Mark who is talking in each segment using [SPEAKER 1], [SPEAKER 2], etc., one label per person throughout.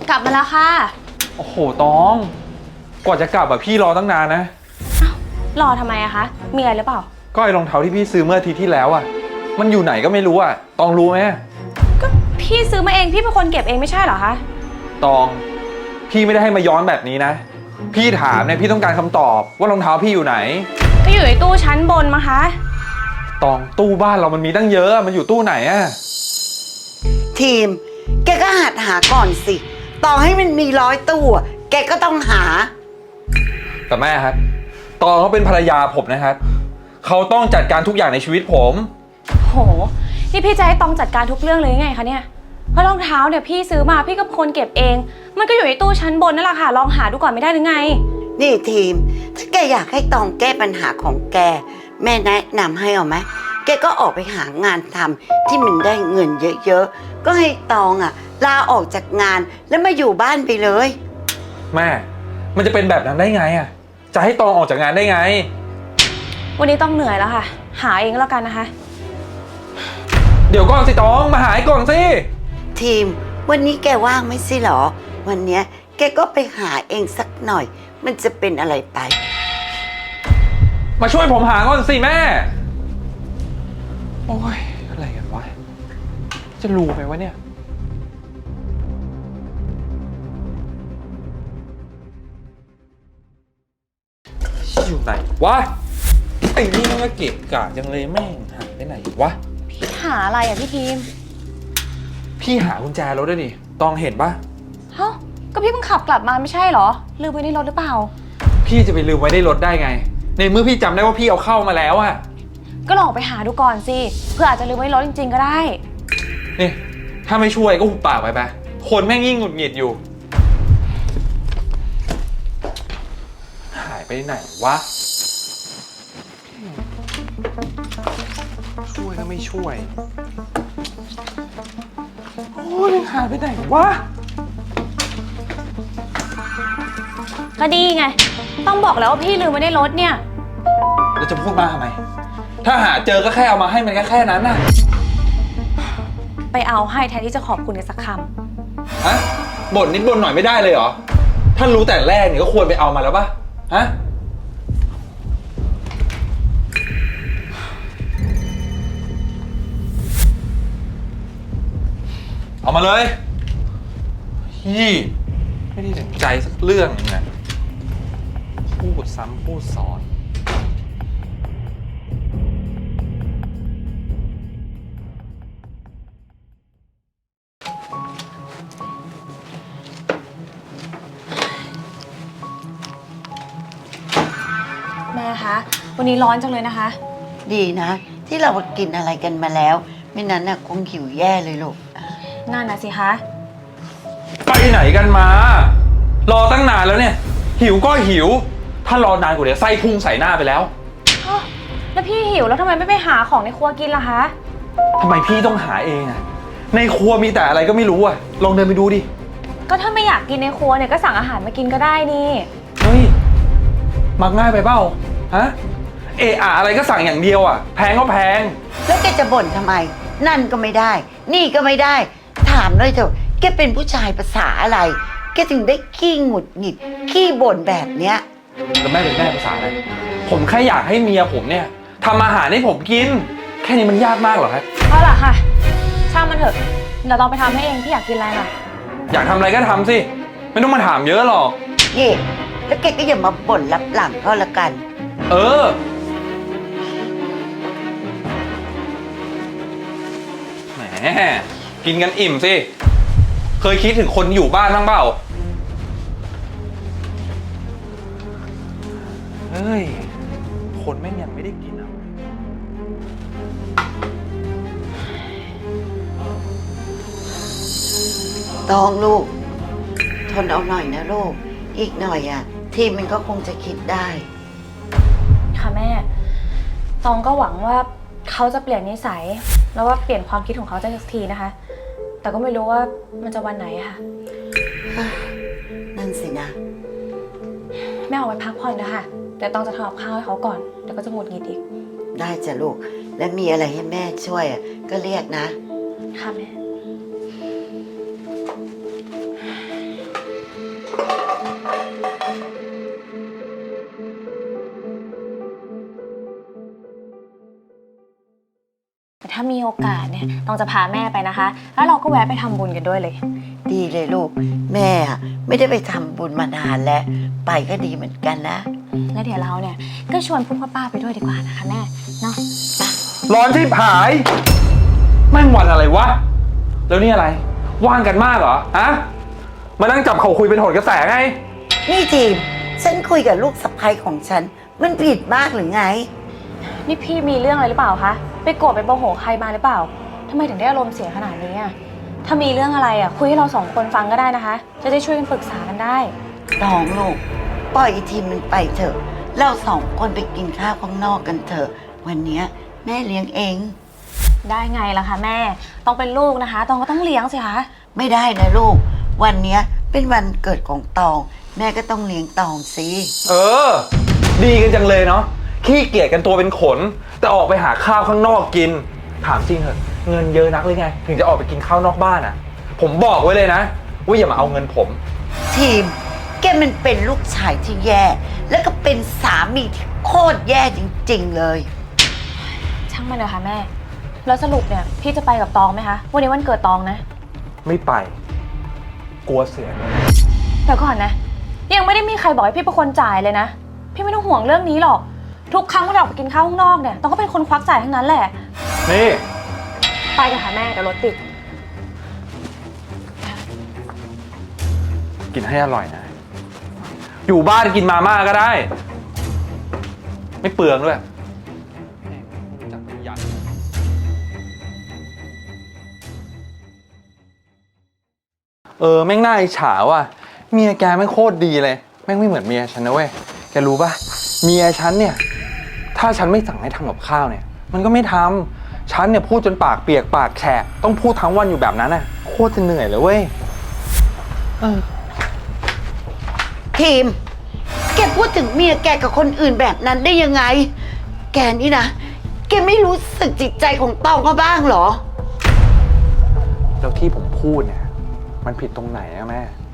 [SPEAKER 1] กลับมาแล้วค่ะ
[SPEAKER 2] โอ้โหตองกว่าจะกลับอะพี่รอตั้งนานนะ
[SPEAKER 1] รอทำไมอะคะมีอะไรหรือเปล่า
[SPEAKER 2] ก็ไอ้รองเท้าที่พี่ซื้อเมื่ออาทิตย์ที่แล้วอะมันอยู่ไหนก็ไม่รู้อะตองรู้ไหม
[SPEAKER 1] ก็พี่ซื้อมาเองพี่เป็นคนเก็บเองไม่ใช่เหรอคะ
[SPEAKER 2] ตองพี่ไม่ได้ให้มาย้อนแบบนี้นะพี่ถามเนี่ยพี่ต้องการคำตอบว่ารองเท้าพี่อยู่ไหน
[SPEAKER 1] ก็อยู่ในตู้ชั้นบนมั้งคะ
[SPEAKER 2] ตองตู้บ้านเรามันมีตั้งเยอะมันอยู่ตู้ไหนอะ
[SPEAKER 3] ทีมแกก็หัดหาก่อนสิต่อให้มันมี100 ตู้แกก็ต้องหา
[SPEAKER 2] แต่แม่ครับตองเขาเป็นภรรยาผมนะครับเขาต้องจัดการทุกอย่างในชีวิตผม
[SPEAKER 1] โหนี่พี่จะให้ตองจัดการทุกเรื่องเลยยังไงคะเนี่ยเพราะรองเท้าเนี่ยพี่ซื้อมาพี่ก็เป็นคนเก็บเองมันก็อยู่ในตู้ชั้นบนนั่นแหละค่ะลองหาดูก่อนไม่ได้หรือไง
[SPEAKER 3] นี่ทีมถ้าแกอยากให้ตองแก้ปัญหาของแกแม่แนะนำให้เอาไหมแกก็ออกไปหางานทำที่มันได้เงินเยอะๆก็ให้ตองลาออกจากงานแล้วมาอยู่บ้านไปเลย
[SPEAKER 2] แม่มันจะเป็นแบบนั้นได้ไงอะจะให้ตองออกจากงานได้ไง
[SPEAKER 1] วันนี้ต้องเหนื่อยแล้วค่ะหาเองแล้วกันนะคะ
[SPEAKER 2] เดี๋ยวก่อนสิตองมาหาก่อนสิ
[SPEAKER 3] ทีมวันนี้แกว่างไม่ใช่หรอวันเนี้ยแกก็ไปหาเองสักหน่อยมันจะเป็นอะไรไป
[SPEAKER 2] มาช่วยผมหาก่อนสิแม่โอ้ยอะไรกันวะจะรู้ไหมวะเนี่ยอยู่ไหนวะไอ้นี่มันก็เก็บกะจังเลยแม่งหายไปไหนวะ
[SPEAKER 1] พี่หาอะไรอ่ะพี่ทีม
[SPEAKER 2] พี่หากุญแจรถด้วยดิตองเห็นปะ
[SPEAKER 1] ฮะก็พี่เพิ่งขับกลับมาไม่ใช่เหรอลืมไว้ในรถหรือเปล่า
[SPEAKER 2] พี่จะไปลืมไว้ในรถได้ไงในเมื่อพี่จำได้ว่าพี่เอาเข้ามาแล้วอะ
[SPEAKER 1] ก็ลองไปหาดูก่อนสิเพื่ออาจจะลืมไว้ในรถจริงๆก็ได้
[SPEAKER 2] นี่ถ้าไม่ช่วยก็หุบปากไปคนแม่งยิ่งหงุดหงิดอยู่หายไปไหนวะช่วยก็ไม่ช่วยโอ้ยหายไปไหนวะ
[SPEAKER 1] ก็ดีไงต้องบอกแล้วว่าพี่ลืมไว้ในรถเนี่ย
[SPEAKER 2] แล้วจะพูดมาทำไมถ้าหาเจอก็แค่เอามาให้มันแค่นั้นน่ะ
[SPEAKER 1] ไปเอาให้แทนที่จะขอบคุณกันสักค
[SPEAKER 2] ำฮะบ่นนิดบ่นหน่อยไม่ได้เลยเหรอถ้ารู้แต่แรกเนี่ยก็ควรไปเอามาแล้วป่ะฮะเอามาเลยยี่ไม่ได้สนใจสักเรื่องนึงนะพูดซ้ำพูดซ้อน
[SPEAKER 1] แม่คะวันนี้ร้อนจังเลยนะคะ
[SPEAKER 3] ดีนะที่เรากินอะไรกันมาแล้วไม่นั้นคงหิวแย่เลยลูก
[SPEAKER 1] นั่นนะสิคะ
[SPEAKER 2] ไปไหนกันมารอตั้งนานแล้วเนี่ยหิวก็หิวถ้ารอนานกว่านี้ไส้พุ่งใส่หน้าไปแล้ว
[SPEAKER 1] แล้วพี่หิวแล้วทำไมไม่ไปหาของในครัวกินล่ะคะ
[SPEAKER 2] ทำไมพี่ต้องหาเองอะในครัวมีแต่อะไรก็ไม่รู้อะลองเดินไปดูดิ
[SPEAKER 1] ก็ถ้าไม่อยากกินในครัวเนี่ยก็สั่งอาหารมากินก็ได้นี่
[SPEAKER 2] เฮ้ยมักง่ายไปเปล่าฮะอะไรก็สั่งอย่างเดียวอะแพงก็แพง
[SPEAKER 3] แล้วแกจะบ่นทำไมนั่นก็ไม่ได้นี่ก็ไม่ได้ถามเลยเถอะแกเป็นผู้ชายภาษาอะไรแกถึงได้ขี้หงุดหงิดขี้บ่นแบบเนี้ย
[SPEAKER 2] แล้วแม่เป็นแม่ภาษาอะไรผมแค่อยากให้เมียผมเนี่ยทำอาหารให้ผมกินแค่นี้มันยากมากเหรอครับ
[SPEAKER 1] เอาล่ะค่ะช่างมันเถอะเดี๋ยวเราไปทำให้เองที่อยากกินอะไรล่ะ
[SPEAKER 2] อยากทำอะไรก็ทำสิไม่ต้องมาถามเยอะหรอก
[SPEAKER 3] นี่แล้วแกก็อย่ามาบ่นลับหลังก็แล้วกัน
[SPEAKER 2] แหมกินกันอิ่มสิเคยคิดถึงคนอยู่บ้านบ้างเปล่าเฮ้ยคนแม่งยังไม่ได้กินอ่ะ
[SPEAKER 3] ตองลูกทนเอาหน่อยนะลูกอีกหน่อยทีมมันก็คงจะคิดได้
[SPEAKER 1] ค่ะแม่ตองก็หวังว่าเขาจะเปลี่ยนนิสัยแล้วว่าเปลี่ยนความคิดของเขาสักทีนะคะแต่ก็ไม่รู้ว่ามันจะวันไหนค่ะ
[SPEAKER 3] นั่นสินะ
[SPEAKER 1] แม่เอาไว้พักผ่อนนะคะเดี๋ยวตองจะทำกับข้าวให้เขาก่อนเดี๋ยวก็จะหงุดหงิดอีก
[SPEAKER 3] ได้จ้ะลูกและมีอะไรให้แม่ช่วยก็เรียกนะ
[SPEAKER 1] ค่ะแม่าสเนี่ยต้องจะพาแม่ไปนะคะ แล้วเราก็แวะไปทำบุญกันด้วยเลย
[SPEAKER 3] ดีเลยลูก แม่อะไม่ได้ไปทำบุญมานานแล้ว ไปก็ดีเหมือนกันนะ
[SPEAKER 1] แล้วเดี๋ยวเราเนี่ยก็ชวนพุ่พ่อป้าไปด้วยดีกว่านะคะแม่เนาะ
[SPEAKER 2] ร้อนที่ผายแม่งวันอะไรวะ แล้วนี่อะไร ว่างกันมากเหรอ ฮะ มานั่งจับเขาคุยเป็นโหนกระแสไง
[SPEAKER 3] นี่ทีม ฉันคุยกับลูกสะใภ้ของฉัน มันผิดมากหรือไง
[SPEAKER 1] นี่พี่มีเรื่องอะไรหรือเปล่าคะไปโกรธไปโมโหใครมาหรือเปล่าทำไมถึงได้อารมณ์เสียขนาดนี้อ่ะถ้ามีเรื่องอะไรอ่ะคุยให้เราสองคนฟังก็ได้นะคะ จะได้ช่วยกันปรึกษากันได้
[SPEAKER 3] น้องลูก ปล่อยไอ้ทีมมันไปเถอะ เราสองคนไปกินข้าวข้างนอกกันเถอะ วันเนี้ยแม่เลี้ยงเอง
[SPEAKER 1] ได้ไงล่ะคะแม่ต้องเป็นลูกนะคะตองก็ต้องเลี้ยงสิคะ
[SPEAKER 3] ไม่ได้นะลูก วันเนี้ยเป็นวันเกิดของตอง แม่ก็ต้องเลี้ยงตองสิ
[SPEAKER 2] เออ ดีกันจังเลยเนาะ ขี้เกียจกันตัวเป็นขน แต่ออกไปหาข้าวข้างนอกกิน ถามจริงเหอะ เงินเยอะนักเลยไง ถึงจะออกไปกินข้าวนอกบ้านอ่ะ ผมบอกไว้เลยนะ ว่าอย่ามาเอาเงินผม
[SPEAKER 3] ทีม แกมันเป็นลูกชายที่แย่ แล้วก็เป็นสามีที่โคตรแย่จริงๆเลย
[SPEAKER 1] ช่างมันเลยค่ะแม่แล้วสรุปเนี่ยพี่จะไปกับตองไหมคะวันนี้วันเกิดตองนะ
[SPEAKER 2] ไม่ไป กลัวเสียเงิน
[SPEAKER 1] เดี๋ยวก่อนนะยังไม่ได้มีใครบอกให้พี่เป็นคนจ่ายเลยนะพี่ไม่ต้องห่วงเรื่องนี้หรอกทุกครั้งที่เราออกไปกินข้าวข้างนอกเนี่ยตองก็เป็นคนควักจ่ายทั้งนั้นแหละ
[SPEAKER 2] นี่
[SPEAKER 1] ไปกันค่ะแม่เดี๋ยวรถติด
[SPEAKER 2] กินให้อร่อยนะ อยู่บ้านกินมาม่าก็ได้ ไม่เปลืองด้วยจับยัดแม่งน่าอิจฉาว่ะเมียแกแม่งโคตรดีเลย แม่งไม่เหมือนเมียฉันนะเว้ย แกรู้ป่ะ เมียฉันเนี่ย ถ้าฉันไม่สั่งให้ทำกับข้าวเนี่ย มันก็ไม่ทำฉันเนี่ยพูดจนปากเปียกปากแฉะต้องพูดทั้งวันอยู่แบบนั้นน่ะ โคตรจะเหนื่อยเลยเว้ย
[SPEAKER 3] ทีม แกพูดถึงเมียแกกับคนอื่นแบบนั้นได้ยังไง แกนี่นะ แกไม่รู้สึกจิตใจของตองเขาบ้างเหรอ
[SPEAKER 2] แล้วที่ผมพูดเนี่ย มันผิดตรงไหนอะแม่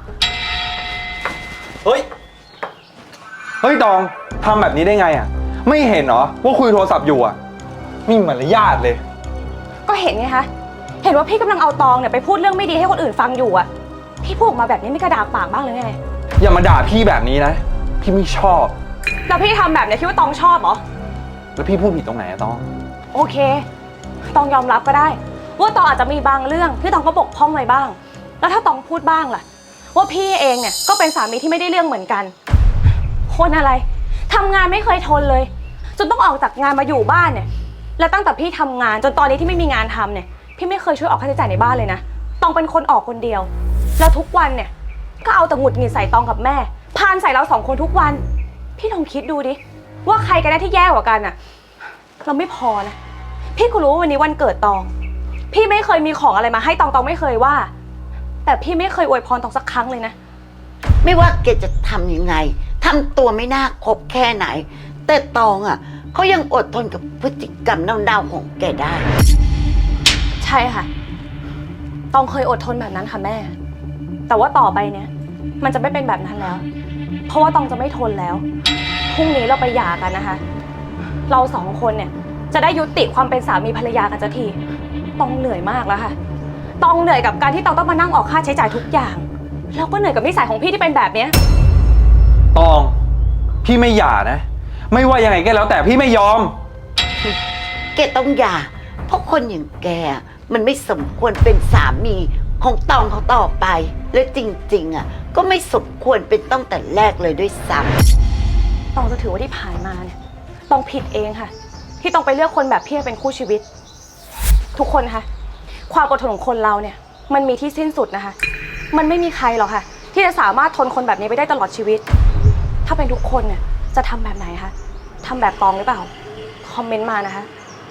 [SPEAKER 2] เฮ้ย เฮ้ยตองทำแบบนี้ได้ไงอะไม่เห็นเหรอว่าคุยโทรศัพท์อยู่อะไม่มีมารยาทเลย
[SPEAKER 1] ก็เห็นไงคะเห็นว่าพี่กำลังเอาตองเนี่ยไปพูดเรื่องไม่ดีให้คนอื่นฟังอยู่อะพี่พูดออกมาแบบนี้ไม่กระดากปากบ้างเลยไง
[SPEAKER 2] อย่ามาด่าพี่แบบนี้นะ พี่ไม่ชอบ
[SPEAKER 1] แล้วพี่ทำแบบเนี้ยคิดว่าตองชอบเหรอ
[SPEAKER 2] แล้วพี่พูดผิดตรงไหนอะตอง
[SPEAKER 1] โอเคตองยอมรับก็ได้ว่าตองอาจจะมีบางเรื่องที่ตองก็บกพร่องไว้บ้าง แล้วถ้าตองพูดบ้างล่ะว่าพี่เองเนี่ยก็เป็นสามีที่ไม่ได้เรื่องเหมือนกันคนอะไรทำงานไม่เคยทนเลยจนต้องออกจากงานมาอยู่บ้านเนี่ยแล้วตั้งแต่พี่ทำงานจนตอนนี้ที่ไม่มีงานทำเนี่ยพี่ไม่เคยช่วยออกค่าใช้จ่ายในบ้านเลยนะตองเป็นคนออกคนเดียวแล้วทุกวันเนี่ยก็เอาแต่หงุดหงิดใส่ตองกับแม่พานใส่เราสองคนทุกวันพี่ลองคิดดูดิว่าใครกันแน่ที่แย่กว่ากันอะเราไม่พอนะพี่ก็รู้ว่าวันนี้วันเกิดตองพี่ไม่เคยมีของอะไรมาให้ตองไม่เคยว่าแต่พี่ไม่เคยอวยพรตองสักครั้งเลยนะ
[SPEAKER 3] ไม่ว่าแกจะทำยังไงทำตัวไม่น่าคบแค่ไหน แต่ตองอ่ะเขายังอดทนกับพฤติกรรมเน่าๆของแกได้
[SPEAKER 1] ใช่ค่ะตองเคยอดทนแบบนั้นค่ะแม่แต่ว่าต่อไปเนี่ยมันจะไม่เป็นแบบนั้นแล้วเพราะว่าตองจะไม่ทนแล้วพรุ่งนี้เราไปหย่ากันนะคะเราสองคนเนี่ยจะได้ยุติความเป็นสามีภรรยากันสักทีตองเหนื่อยมากแล้วค่ะตองเหนื่อยกับการที่ตองต้องมานั่งออกค่าใช้จ่ายทุกอย่างแล้วก็เหนื่อยกับนิสัยของพี่ที่เป็นแบบเนี้ย
[SPEAKER 2] ตอง พี่ไม่หย่านะ ไม่ว่ายังไงก็แล้วแต่พี่ไม่ยอม
[SPEAKER 3] แกต้องหย่าเพราะคนอย่างแกมันไม่สมควรเป็นสามีของตองเขาต่อไป และจริงๆอ่ะก็ไม่สมควรเป็นตั้งแต่แรกเลยด้วยซ้ำ
[SPEAKER 1] ตองจะถือว่าที่ผ่านมาเนี่ยตองผิดเองค่ะที่ต้องไปเลือกคนแบบพี่เป็นคู่ชีวิต ทุกคนคะความอดทนของคนเราเนี่ยมันมีที่สิ้นสุดนะคะมันไม่มีใครหรอกค่ะที่จะสามารถทนคนแบบนี้ไปได้ตลอดชีวิต ถ้าเป็นทุกคนเนี่ยจะทำแบบไหนคะทำแบบตองหรือเปล่าคอมเมนต์มานะคะ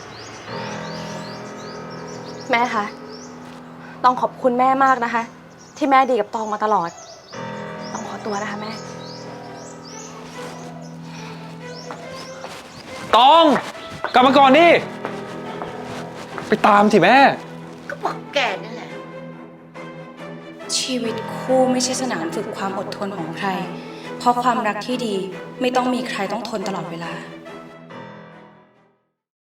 [SPEAKER 1] แม่คะต้องขอบคุณแม่มากนะคะที่แม่ดีกับตองมาตลอดต้องขอตัวนะคะแม่
[SPEAKER 2] ตอง กลับมาก่อนดิ ไปตามสิแม่
[SPEAKER 3] ก็บอกแกนั่นแหละ
[SPEAKER 4] ชีวิตคู่ไม่ใช่สนามฝึกความอดทนของใคร เพราะความรักที่ดีไม่ต้องมีใครต้องทนตลอดเวลา